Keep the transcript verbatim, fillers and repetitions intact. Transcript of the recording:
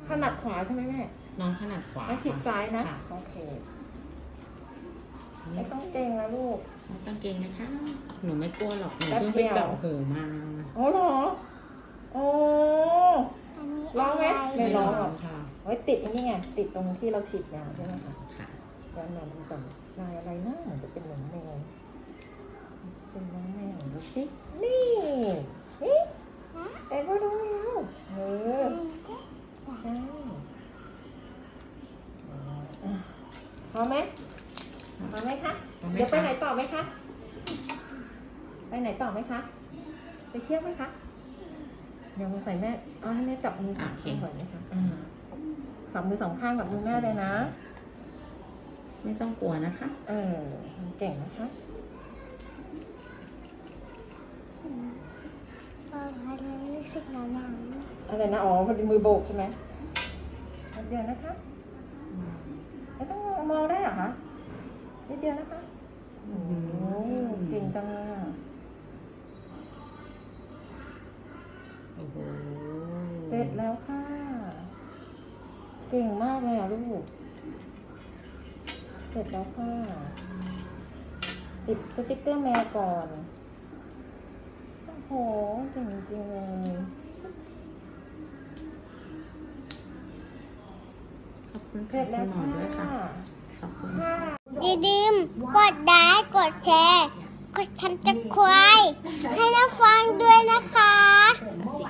ถนัดขวาใช่ไหมแม่น้องถนัดขวาไม่ฉีดซ้ายนะค่ะโอเคไม่ต้องเกรงนะลูกไม่ต้องเกรงนะคะหนูไม่กลัวหรอกหนูแป๊บเพิ่งเดีไปยวเจาะหูมาอ๋อเหรอโอ้อันนี้ร้องไหมะรไม่ร้องหรอกค่ะไว้ติดอันนี้ไงติดตรงที่เราฉีดยาใช่ไหมคะค่ะแล้วนอนดูก่อนลายอะไรนะเหมือนจะเป็นหนังแมวมันจะเป็นน้องแมวดูสินี่นี่เอ็งก็ดูแล้วเออใช่อ่ะพอไหมพอไหมคะพอไหมคะเดี๋ยวไปไหนต่อไหมคะไปไหนต่อไหมคะไปเที่ยวไหมคะเดี๋ยวมาใส่แม่เอาให้แม่จับมือสองข้างก่อนนะคะอ่าสองมือสองข้างกับมือแม่เลยนะไม่ต้องกลัวนะคะเออเก่งนะคะเอออะไรรู้สึกหนาวหนาวอะไรนะ อ๋อพอดีมือโบกใช่ไหมนิดเดียวนะคะไม่ต้องมองได้เหรอคะนิดเดียวนะคะโอ้โหเก่งจังเลยอะโอ้โหเสร็จแล้วค่ะ เก่งมากเลยอ่ะลูก เสร็จแล้วค่ะ ติดสติ๊กเกอร์แมวก่อน โอ้โหเก่งจริงเลยขอบคุณเสร็ค่ะจแล้วคุณหมอค่ะด้วยค่ะ ขอบคุณค่ะอย่าลืมกดไลค์กดแชร์ กดชันจะควายให้น้าฟังด้วยนะคะสวัสดี